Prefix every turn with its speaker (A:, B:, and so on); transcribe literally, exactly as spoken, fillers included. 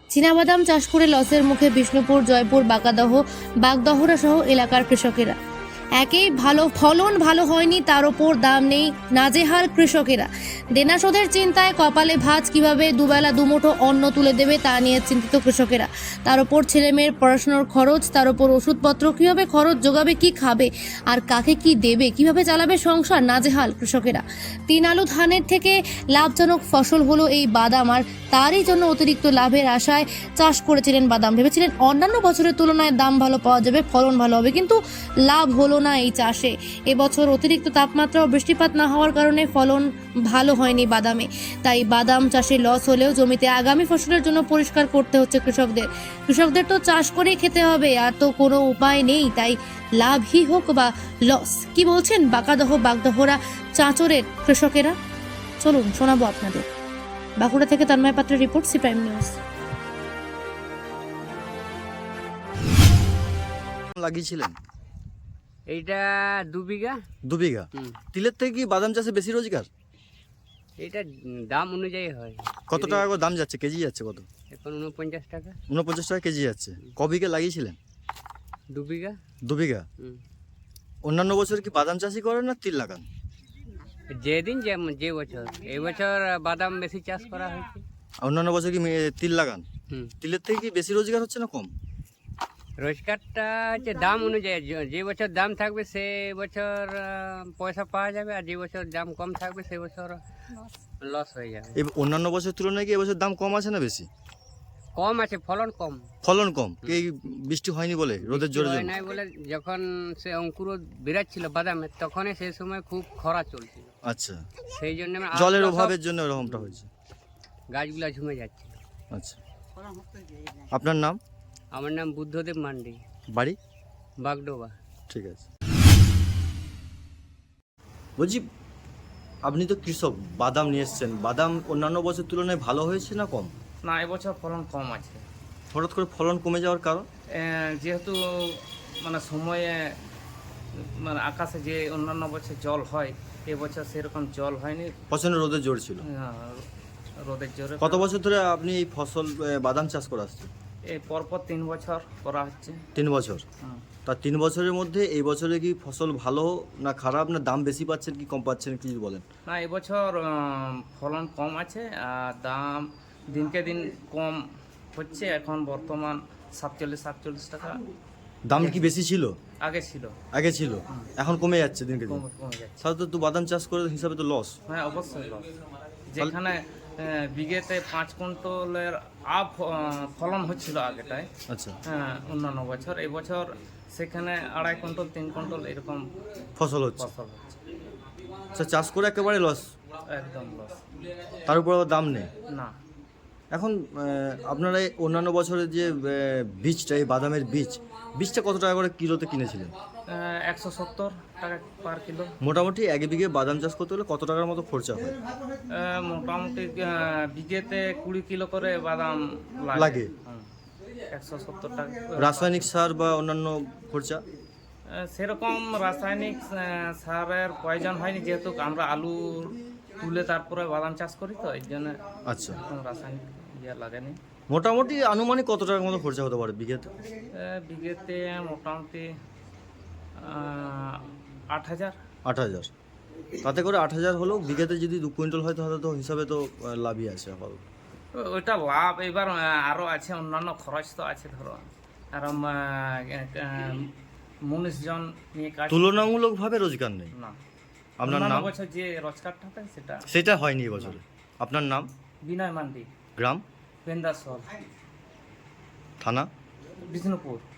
A: চীনাবাদাম চাষ করে লসের মুখে বিষ্ণুপুর, জয়পুর, বাঁকাদহ, বাগদহরা সহ এলাকার কৃষকেরা। একেই ভালো ফলন ভালো হয়নি, তার ওপর দাম নেই, নাজেহাল কৃষকেরা। দেনা শোধের চিন্তায় কপালে ভাঁজ, কিভাবে দুবেলা দুমুঠো অন্ন তুলে দেবে তা নিয়ে চিন্তিত কৃষকেরা। তার ওপর ছেলেমেয়ের পড়াশোনার খরচ, তার ওপর ওষুধপত্র, কিভাবে খরচ জোগাবে, কি খাবে আর কাকে কি দেবে, কিভাবে চালাবে সংসার, নাজেহাল কৃষকেরা। তিন আলু ধানের থেকে লাভজনক ফসল হলো এই বাদাম, আর তারই জন্য অতিরিক্ত লাভের আশায় চাষ করেছিলেন বাদাম। ভেবেছিলেন অন্যান্য বছরের তুলনায় দাম ভালো পাওয়া যাবে, ফলন ভালো হবে, কিন্তু লাভ হলো না এই চাষে। এবছর অতিরিক্ত তাপমাত্রা ও বৃষ্টিপাত না হওয়ার কারণে ফলন ভালো হয়নি বাদামে। তাই বাদাম চাষে লস হলেও জমিতে আগামী ফসলের জন্য পরিষ্কার করতে হচ্ছে কৃষকদের। কৃষকদের তো চাষ করেই খেতে হবে, আর তো কোনো উপায় নেই। তাই লাভই হোক বা লস, কি বলছেন বাঁকাদহ, বাগদহরা, চাঁচরের কৃষকেরা? চলুন শোনাবো আপনাদের। বাঁকুড়া থেকে তন্ময় পাত্রের রিপোর্ট, সি প্রাইম নিউজ।
B: লাগিয়েছিলেন?
C: এইটা দু বিঘা।
B: দু বিঘা।
C: হুম।
B: তিলের থেকে কি বাদাম চাষে বেশি রোজগার?
C: এটা দাম অনুযায়ী হয়।
B: কত টাকা করে দাম যাচ্ছে, কেজি যাচ্ছে কত?
C: এখন উনপঞ্চাশ টাকা।
B: উনপঞ্চাশ টাকা কেজি যাচ্ছে। ক বিঘা লাগিয়েছিলেন?
C: দু বিঘা।
B: দু বিঘা।
C: হুম।
B: অন্যান্য বছর কি বাদাম চাষই করেন না তিল লাগান?
C: যেদিন যে যে বছর, এই বছর বাদাম বেশি চাষ করা হয়েছে।
B: অন্যান্য বছর কি মে- তিল লাগান?
C: হুম।
B: তিলের থেকে কি বেশি রোজগার হচ্ছে না কম?
C: রোজগারটা হচ্ছে দাম অনুযায়ী, যে- যে বছর দাম থাকবে সে বছর আহ, পয়সা পাওয়া যাবে, আর যে বছর দাম কম থাকবে সে বছর লস হয়ে যাবে।
B: এই অন্যান্য বছরের তুলনায় কি এবছর দাম কম আছে না বেশি?
C: কম আছে, ফলন কম।
B: ফলন কম এই বৃষ্টি হয়নি বলে, রোদের জোরে
C: হয়
B: জন্য?
C: নাই বলে, যখন সে অঙ্কুর বিরাট ছিল বাদামের, তখনই সেই সময় খুব খরা চলছিল।
B: আচ্ছা,
C: সেই জন্য
B: জলের অভাবের জন্য এরকমটা হয়েছে।
C: গাছগুলা ঝুমে যাচ্ছে।
B: আচ্ছা, আপনার নাম?
C: আমার নাম বুদ্ধদেব মান্ডি,
B: বাড়ি?
C: বাগডোবা।
B: ঠিক আছে। বলছি, আপনি তো কৃষক, বাদাম নিয়ে এসছেন, বাদাম অন্যান্য বছর তুলনায় ভালো হয়েছে না কম?
D: না, এবছর ফলন কম আছে।
B: হঠাৎ করে ফলন কমে যাওয়ার কারণ?
D: এ, যেহেতু মানে সময়ে মানে আকাশে যে অন্যান্য বছর জল হয়, এবছর সেরকম জল হয়নি।
B: প্রচণ্ড রোদের জোর ছিল।
D: আহ, রোদের জোরে।
B: কত বছর ধরে আপনি এই ফসল এ, বাদাম চাষ করে আসছেন?
D: এই পরপর তিন বছর করা হচ্ছে।
B: তিন বছর।
D: হুম।
B: তার তিন বছরের মধ্যে এই বছরে কি ফসল ভালো না খারাপ, না দাম বেশি পাচ্ছেন কি কম পাচ্ছেন, কি বলেন?
D: না, এবছর আহ, ফলন কম আছে, আর দাম দিনকে দিন কম হচ্ছে। এখন বর্তমান সাতচল্লিশ সাতচল্লিশ টাকা।
B: দাম কি বেশি ছিল?
D: আগে ছিল,
B: আগে ছিল, এখন কমে যাচ্ছে দিনকে দিন।
D: কমে কমে যাচ্ছে।
B: তাহলে তো বাদাম চাষ করে হিসাবে তো লস।
D: হ্যাঁ, অবশ্যই লস। যেখানে আহ, বিঘেতে পাঁচ কুইন্টলের আপ আহ, ফলন হচ্ছিল আগেটায়,
B: আচ্ছা,
D: হ্যাঁ, অন্যান্য বছর। এই বছর সেখানে আড়াই কুইন্টল তিন কুইন্টল এরকম
B: ফসল হচ্ছে।
D: ফসল হচ্ছে।
B: আচ্ছা, চাষ করে একেবারে লস,
D: একদম লস।
B: তার উপর আবার দাম নেই।
D: না,
B: এখন আহ, আপনারা এই অন্যান্য বছরের যে আহ, বীজটা, এই বাদামের বীজ, বীজটা কত টাকা করে কিলোতে কিনেছিলেন?
D: একশো সত্তর টাকা পার কিলো।
B: মোটামুটি এক বিঘে বাদাম চাষ করতে হলে কত টাকার মতো খরচা হয়?
D: আহ, মোটামুটি আহ, বিঘেতে কুড়ি কিলো করে বাদাম
B: লাগে।
D: লাগে। হুম। একশো সত্তর টাকা।
B: রাসায়নিক সার বা অন্যান্য খরচা?
D: আহ, সেরকম রাসায়নিক আহ, সারের প্রয়োজন হয়নি, যেহেতু আমরা আলু তুলে তারপরে বাদাম চাষ করি, তো এই জন্য
B: আচ্ছা,
D: কোনো রাসায়নিক ইয়ে লাগেনি।
B: মোটামুটি আনুমানিক কত টাকার মতো খরচা হতে পারে বিঘেতে?
D: আহ, বিঘেতে মোটামুটি আহ, আট হাজার।
B: আট হাজার। তাতে করে আট হাজার হলেও বিঘেতে যদি দু কুইন্টাল হয় তাহলে তো হিসাবে তো আহ, লাভই আছে আপাতত।
D: ও- ওইটা লাভ। এবার আহ, আরো আছে অন্যান্য খরচ তো আছে, ধরো আর উনিশ জন নিয়ে কাজ।
B: তুলনামূলকভাবে রোজগার নেই।
D: না,
B: আপনার
D: অন্যান্য
B: নাম?
D: বছর যে রোজগারটা থাকে সেটা।
B: সেটা হয়নি এবছরে। আপনার নাম?
D: বিনয় মান্ডি,
B: গ্রাম?
D: পেন্দাসল,
B: থানা?
D: বিষ্ণুপুর।